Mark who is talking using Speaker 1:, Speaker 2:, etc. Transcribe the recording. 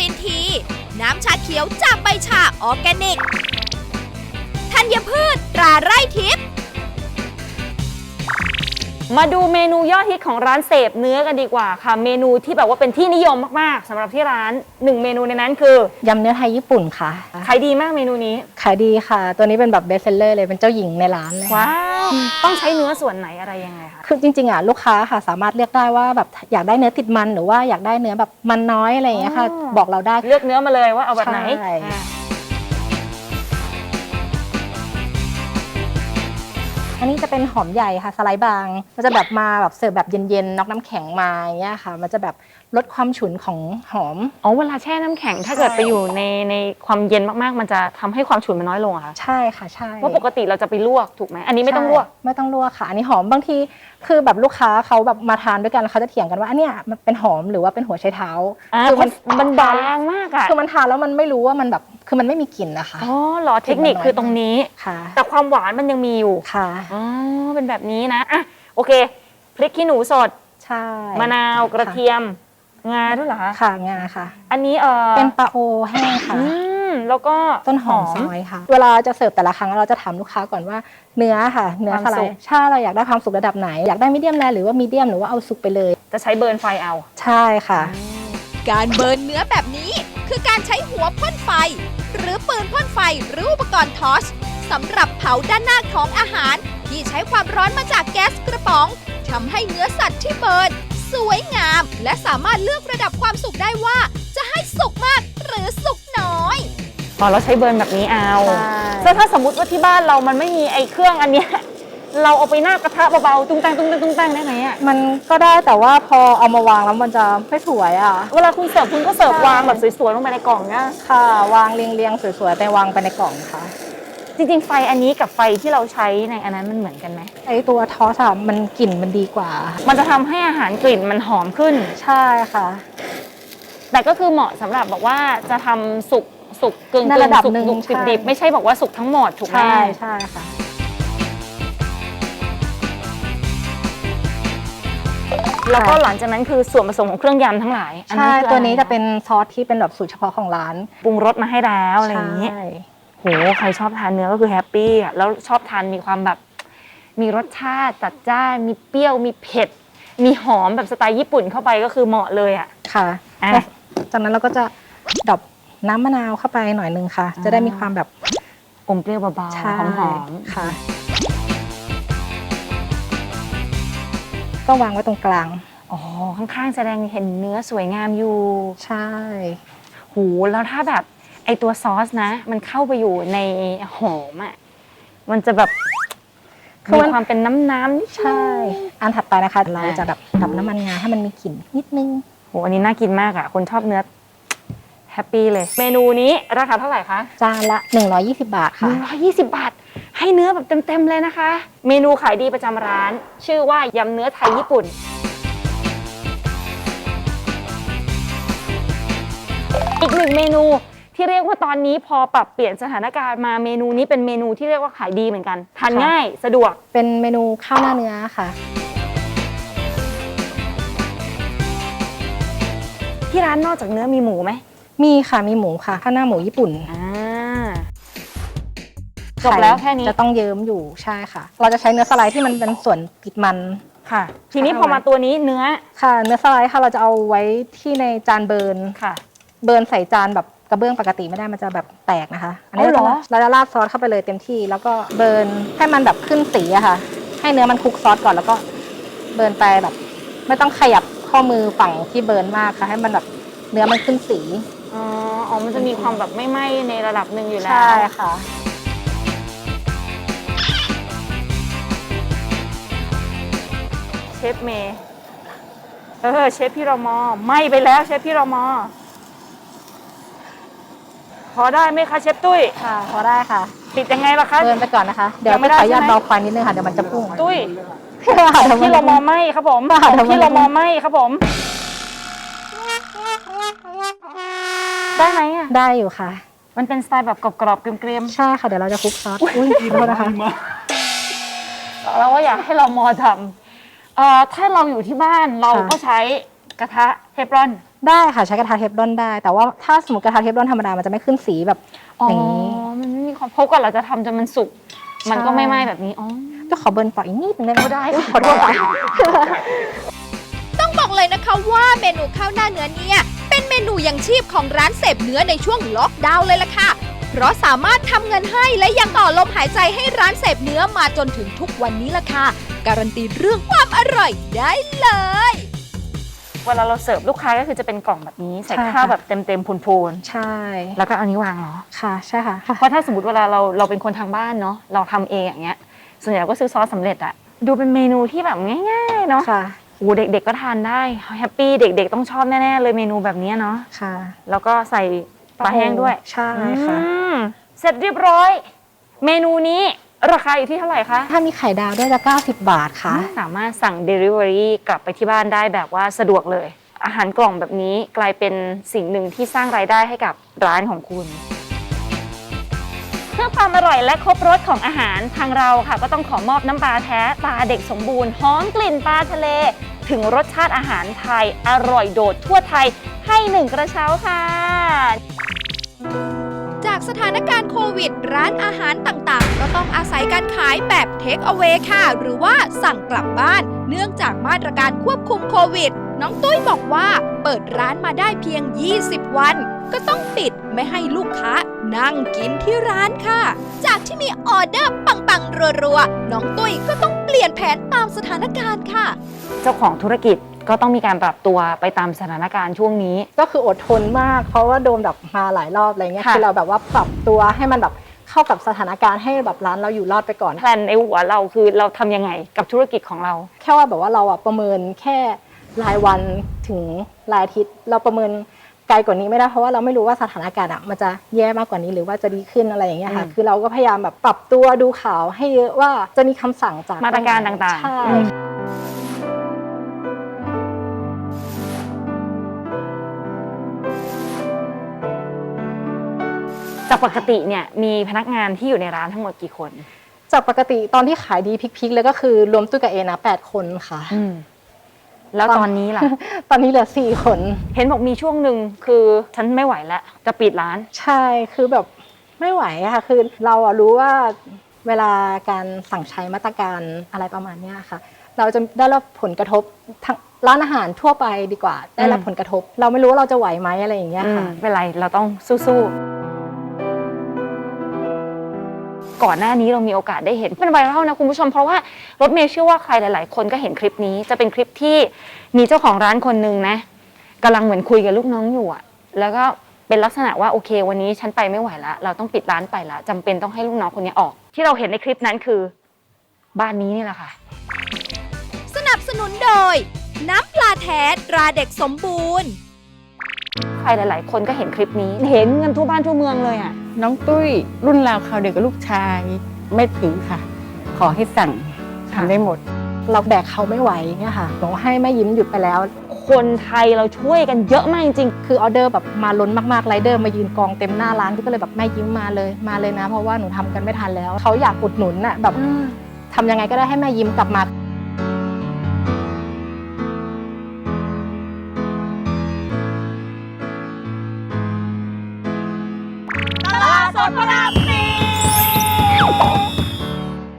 Speaker 1: รีนที น้ำชาเขียวจากใบชาออร์แกนิก ธัญพืชตราไร่ทิพย์
Speaker 2: มาดูเมนูยอดฮิตของร้านเสพเนื้อกันดีกว่าค่ะเมนูที่แบบว่าเป็นที่นิยมมากๆสำหรับที่ร้าน1เมนูในนั้นคือย
Speaker 3: ำเนื้อไทยญี่ปุ่นค่ะ
Speaker 2: ขายดีมากเมนูนี้
Speaker 3: ขายดีค่ะตัวนี้เป็นแบบเบสเซลเลอร์เลยเป็นเจ้าหญิงในร้านเลย
Speaker 2: ว้าวต้องใช้เนื้อส่วนไหนอะไรยังไงคะ
Speaker 3: คือจริงๆลูกค้าค่ะสามารถเลือกได้ว่าแบบอยากได้เนื้อติดมันหรือว่าอยากได้เนื้อแบบมันน้อยอะไรอย่างเงี้ยค่ะบอกเราได้
Speaker 2: เลือกเนื้อมาเลยว่าเอาแบบไหน
Speaker 3: อันนี้จะเป็นหอมใหญ่ค่ะสไลด์บางมันจะแบบมาแบบเสิร์ฟแบบเย็นๆน็อกน้ำแข็งมาอย่างเงี้ยค่ะมันจะแบบลดความฉุนของหอม
Speaker 2: เวลาแช่น้ำแข็งถ้าเกิดไปอยู่ในความเย็นมากๆมันจะทำให้ความฉุนมันน้อยลงอะค่ะ
Speaker 3: ใช่ค่ะใช่
Speaker 2: ว่าปกติเราจะไปลวกถูกไหมอันนี้ไม่ต้องลวก
Speaker 3: ค่ะอันนี้หอมบางทีคือแบบลูกค้าเขาแบบมาทานด้วยกันเขาจะเถียงกันว่าอันเนี้ยมันเป็นหอมหรือว่าเป็นหัวไชเท้า
Speaker 2: คือมันบางมากอะ
Speaker 3: คือมันทานแล้วมันไม่รู้ว่ามันแบบคือมันไม่มีกลิ่นนะคะ
Speaker 2: เหรอเทคนิคคือตรงนี้
Speaker 3: ค่ะ
Speaker 2: แต่ความหวานมันยังมีอยู่
Speaker 3: ค่ะ
Speaker 2: เป็นแบบนี้นะอ่ะโอเคพริกขี้หนูสด
Speaker 3: ใช่
Speaker 2: มะนาวกระเทียมงาด้วยเหรอคะ
Speaker 3: ค่ะงาค่ะ
Speaker 2: อันนี้
Speaker 3: เป็นปลาโอแห้งค่ะ
Speaker 2: แล้วก็
Speaker 3: ต้นหอมซอยค่ะเวลาจะเสิร์ฟแต่ละครั้งเราจะถามลูกค้าก่อนว่าเนื้อค่ะเนื้อสไลด์ถ้าเราอยากได้ความสุกระดับไหนอยากได้มีเดียมแรร์หรือว่ามีเดียมหรือว่าเอาสุกไปเลย
Speaker 2: จะใช้เบิร์นไฟเอา
Speaker 3: ใช่ค่ะ
Speaker 1: การเบิร์นเนื้อแบบนี้คือการใช้หัวพ่นไฟหรือปืนพ่นไฟหรืออุปกรณ์ทอร์ชสำหรับเผาด้านหน้าของอาหารที่ใช้ความร้อนมาจากแก๊สกระป๋องทำให้เนื้อสัตว์ที่เบิร์นสวยงามและสามารถเลือกระดับความสุกได้ว่าจะให้สุกมากหรือสุกน้อย
Speaker 2: เราใช้เบิร์นแบบนี้เอาซึ่งถ้าสมมติว่าที่บ้านเรามันไม่มีไอ้เครื่องอันเนี้ยเราเอาไปหน้ากระทะเบาๆตุ้งตังได้ไหมอ่ะ
Speaker 3: มันก็ได้แต่ว่าพอเอามาวางแล้วมันจะไม่สวยอ่ะ
Speaker 2: เวลาคุณเสิร์ฟคุณก็เสิร์ฟวางแบบสวยๆลงไปในกล่องนะ
Speaker 3: ค่ะวางเรียงๆสวยๆแต่วางไปในกล่องค่ะ
Speaker 2: จริงๆไฟอันนี้กับไฟที่เราใช้ในอันนั้นมันเหมือนกันไหม
Speaker 3: ไอตัวทอสมันกลิ่นมันดีกว่า
Speaker 2: มันจะทำให้อาหารกลิ่นมันหอมขึ้น
Speaker 3: ใช่ค่ะ
Speaker 2: แต่ก็คือเหมาะสำหรับบอกว่าจะทำสุกกึ่ง
Speaker 3: ระดับหนึ่ง
Speaker 2: ดิบไม่ใช่บอกว่าสุกทั้งหมดถูกไหม
Speaker 3: ใช่ค่ะ
Speaker 2: แล้วก็หลังจากนั้นคือส่วนผสมของเครื่องยำทั้งหลาย
Speaker 3: ใช่ตัวนี้จะเป็นซอสที่เป็นแบบสูตรเฉพาะของร้าน
Speaker 2: ปรุงรสมาให้แล้วอะไรอย่างนี้โหใครชอบทานเนื้อก็คือแฮปปี้อ่ะแล้วชอบทานมีความแบบมีรสชาติจัดจ้านมีเปรี้ยวมีเผ็ดมีหอมแบบสไตล์ญี่ปุ่นเข้าไปก็คือเหมาะเลยอ่ะ
Speaker 3: ค่ะจากนั้นเราก็จะดับน้ำมะนาวเข้าไปหน่อยนึงค่ะจะได้มีความแบบ
Speaker 2: อมเปรี้ยวเบาๆหอม
Speaker 3: ๆค่ะก็วางไว้ตรงกลาง
Speaker 2: ข้างๆแสดงเห็นเนื้อสวยงามอยู่
Speaker 3: ใช่
Speaker 2: โหแล้วถ้าแบบไอตัวซอสนะมันเข้าไปอยู่ในหอมอ่ะมันจะแบบมีความเป็นน้ำ
Speaker 3: ใช่อันถัดไปนะคะเราจะแบบดับน้ำมันงาให้มันมีกลิ่นนิดนึง
Speaker 2: โหอันนี้น่ากินมากอ่ะคนชอบเนื้อแฮปปี้เลยเมนูนี้ราคาเท่าไหร่คะ
Speaker 3: จานละ120 บาทค่ะ
Speaker 2: 120 บาทให้เนื้อแบบเต็มๆเลยนะคะเมนูขายดีประจำร้านชื่อว่ายำเนื้อไทยญี่ปุ่นอีกหนึ่งเมนูที่เรียกว่าตอนนี้พอปรับเปลี่ยนสถานการณ์มาเมนูนี้เป็นเมนูที่เรียกว่าขายดีเหมือนกันทานง่ายสะดวก
Speaker 3: เป็นเมนูข้าวหน้าเนื้อค่ะ
Speaker 2: ที่ร้านนอกจากเนื้อมีหมูไหม
Speaker 3: มีค่ะมีหมูค่ะข้าวหน้าหมูญี่ปุ่น
Speaker 2: จบแล้วแค่นี้
Speaker 3: จะต้องเยิ้มอยู่ใช่ค่ะเราจะใช้เนื้อสไลด์ที่มันเป็นส่วนติดมัน
Speaker 2: ค่ะทีนี้พอมาตัวนี้เนื้อ
Speaker 3: ค่ะเนื้อสไลด์ค่ะเราจะเอาไว้ที่ในจานเบิร์น
Speaker 2: ค่ะ
Speaker 3: เบิร์นใส่จานแบบกระเบื้องปกติไม่ได้มันจะแบบแตกนะคะอันนี้เราจะราดซอสเข้าไปเลยเต็มที่แล้วก็เบิร์นให้มันแบบขึ้นสีอะค่ะให้เนื้อมันคลุกซอสก่อนแล้วก็เบิร์นไปแบบไม่ต้องขยับข้อมือฝั่งที่เบิร์นมากค่ะให้มันแบบเนื้อมันขึ้นสี
Speaker 2: มันจะมีความแบบไม่ไหม้ในระดับหนึ่งอยู่แล้ว
Speaker 3: ใช่ค่ะ
Speaker 2: เชฟเมย์เชฟพี่รมไหม้ไปแล้วเชฟพี่รมพอได้ไหมคะเชฟตุ้ย
Speaker 3: ค่ะพอได้ค่ะ
Speaker 2: ปิดยังไงล่ะคะ
Speaker 3: เดินไปก่อนนะคะเดี๋ยวไม่ขออนุญาตเบาควันนิดนึงค่ะเดี๋ยวมันจะพุ่ง
Speaker 2: ตุ้ยพี่รมไหม้ครับผมพี่รมไหม้ครับผมได้ไหมอ่ะ
Speaker 3: ได้อยู่ค่ะ
Speaker 2: มันเป็นสไตล์แบบกรอบๆเกรียม
Speaker 3: ๆใช่ค่ะเดี๋ยวเราจะคลุกซอสอุ้ยขอโทษนะคะ
Speaker 2: เราว่าอยากให้เราทำถ้าเราอยู่ที่บ้านเราก็ใช้กระทะเทฟลอน
Speaker 3: ได้ค่ะใช้กระทะเทฟลอนได้ แต่ว่าถ้าสมมติกระทะเทฟลอนธรรมดามันจะไม่ขึ้นสีแบบอย่างนี้
Speaker 2: มันไม่มีความเพราะก่อนเราจะทำจนมันสุกมันก็ไม่ไหม้แบบนี้
Speaker 3: จะขอเบิร์นต่ออีกนิดนึงได้ไหม
Speaker 2: ได้
Speaker 3: ขอโทษค่ะ
Speaker 1: ต้องบอกเลยนะคะว่าเมนูข้าวหน้าเนื้อเนี่ยเป็นเมนูยังชีพของร้านเสพเนื้อในช่วงล็อกดาวน์เลยล่ะค่ะ เพราะสามารถทำเงินให้และยังต่อลมหายใจให้ร้านเสพเนื้อมาจนถึงทุกวันนี้ล่ะค่ะ การันตีเรื่องความอร่อยได้เลย
Speaker 2: เวลาเราเสิร์ฟลูกค้าก็คือจะเป็นกล่องแบบนี้ใส่ข้าวแบบเต็มๆพูน
Speaker 3: ใช่
Speaker 2: ๆแล้วก็เอานี้วางเหรอ
Speaker 3: ค่ะใช่ค่ะ
Speaker 2: เพราะถ้าสมมติเวลาเราเป็นคนทางบ้านเนาะเราทำเองอย่างเงี้ยส่วนใหญ่ก็ซื้อซอสสำเร็จอะดูเป็นเมนูที่แบบง่ายๆเนาะ
Speaker 3: ค่ะ
Speaker 2: โอ้เด็กๆก็ทานได้แฮปปี้เด็กๆต้องชอบแน่ๆเลยเมนูแบบนี้เนาะ
Speaker 3: ค่ะ
Speaker 2: แล้วก็ใส่ปลาแห้งด้วย
Speaker 3: ใช่ค่ะ
Speaker 2: เสร็จเรียบร้อย เมนูนี้ราคาอยู่ที่เท่าไหร่คะ
Speaker 3: ถ้ามีไข่ดาวด้วยจะ90 บาทค่ะ
Speaker 2: สามารถสั่ง Delivery กลับไปที่บ้านได้แบบว่าสะดวกเลย อาหารกล่องแบบนี้กลายเป็นสิ่งหนึ่งที่สร้างรายได้ให้กับร้านของคุณเพื่อความอร่อยและครบรสของอาหารทางเราค่ะก็ต้องขอมอบน้ำปลาแท้ตาเด็กสมบูรณ์หอมกลิ่นปลาทะเล ถึงรสชาติอาหารไทยอร่อยโดดทั่วไทยให้1 กระเช้าค่ะ
Speaker 1: จากสถานการณ์โควิดร้านอาหารต่างๆ ก็ต้องอาศัยการขายแบบเทคเอา a y ค่ะ หรือว่าสั่งกลับบ้าน เนื่องจากมาตรการควบคุมโควิด น้องตุ้ยบอกว่าเปิดร้านมาได้เพียง 20 วัน ก็ต้องปิดไม่ให้ลูกค้านั่งกินที่ร้านค่ะ จากที่มีออเดอร์ปังๆรัวๆน้องตุ้ยก็ต้องเปลี่ยนแผนตามสถานการณ์ค่ะ
Speaker 2: เจ้าของธุรกิจก็ต้องมีการปรับตัวไปตามสถานการณ์ช่วงนี้
Speaker 3: ก็คืออดทนมาก เพราะว่าโดนแบบมาหลายรอบอะไรเงี้ย
Speaker 2: ค่ะ
Speaker 3: คือเราแบบว่าปรับตัวให้มันแบบเข้ากับสถานการณ์ให้แบบร้านเราอยู่รอดไปก่อน
Speaker 2: แพลนในหัวเราคือเราทำยังไงกับธุรกิจของเรา
Speaker 3: แค่ว่าแบบว่าเราอะประเมินแค่รายวันถึงรายอาทิตย์ เราประเมินไกลกว่านี้ไม่ได้เพราะว่าเราไม่รู้ว่าสถานการณ์อะมันจะแย่มากกว่านี้หรือว่าจะดีขึ้นอะไรอย่างเงี้ยค่ะ คือเราก็พยายามแบบปรับตัวดูข่าวให้เยอะว่าจะมีคำสั่งจาก
Speaker 2: มาตรการต่างๆ
Speaker 3: ใช่
Speaker 2: จากปกติเนี่ยมีพนักงานที่อยู่ในร้านทั้งหมดกี่คน
Speaker 3: จากปกติตอนที่ขายดีพิกๆเลยก็คือรวมตุ้ยกับเอนะ8 คนค่ะ
Speaker 2: แล้วตอนนี้ล่ะ
Speaker 3: ตอนนี้เหลือ4 คน
Speaker 2: เห็นบอกมีช่วงหนึ่งคือฉันไม่ไหวแล้วจะปิดร้าน
Speaker 3: ใช่คือแบบไม่ไหวอะค่ะคือเราอะรู้ว่าเวลาการสั่งใช้มาตรการอะไรประมาณเนี้ยค่ะ เราจะได้รับผลกระทบทั้งร้านอาหารทั่วไปดีกว่า ได้รับผลกระทบ เราไม่รู้ว่าเราจะไหวไหมอะไรอย่างเงี้ยค่ะ
Speaker 2: ไม่เป็นไรเราต้องสู้ๆก่อนหน้านี้เรามีโอกาสได้เห็นเป็นไวรัลนะคุณผู้ชมเพราะว่ารถเมย์เชื่อว่าใครหลายๆคนก็เห็นคลิปนี้จะเป็นคลิปที่มีเจ้าของร้านคนนึงนะกำลังเหมือนคุยกับลูกน้องอยู่อะแล้วก็เป็นลักษณะว่าโอเควันนี้ฉันไปไม่ไหวแล้วเราต้องปิดร้านไปละจำเป็นต้องให้ลูกน้องคนนี้ออก ที่เราเห็นในคลิปนั้นคือบ้านนี้นี่แหละค่ะ
Speaker 1: สนับสนุนโดย น้ำปลาแท้ตราเด็กสมบูรณ์
Speaker 2: ใครหลาย ๆ คนก็เห็นคลิปนี้เห็นเงินทั่วบ้านทั่วเมืองเลยอ่ะ
Speaker 4: น้องตุ้ยรุ่นราวคราวเดียวกับลูกชายไม่ถึงค่ะ ขอให้สั่งทำได้หมด
Speaker 3: เราแบกเขาไม่ไหวเนี่ยค่ะหนูให้แม่ยิ้มหยุดไปแล้ว
Speaker 2: คนไทยเราช่วยกันเยอะมากจริง
Speaker 3: คือออเดอร์แบบมาล้นมากๆไรเดอร์มายืนกองเต็มหน้าร้านก็เลยแบบแม่ยิ้มมาเลยนะ เพราะว่าหนูทำกันไม่ทันแล้วเขาอยากอุดหนุนน่ะแบบทำยังไงก็ได้ให้แม่ยิ้มกลับมาตลาดสดพระราม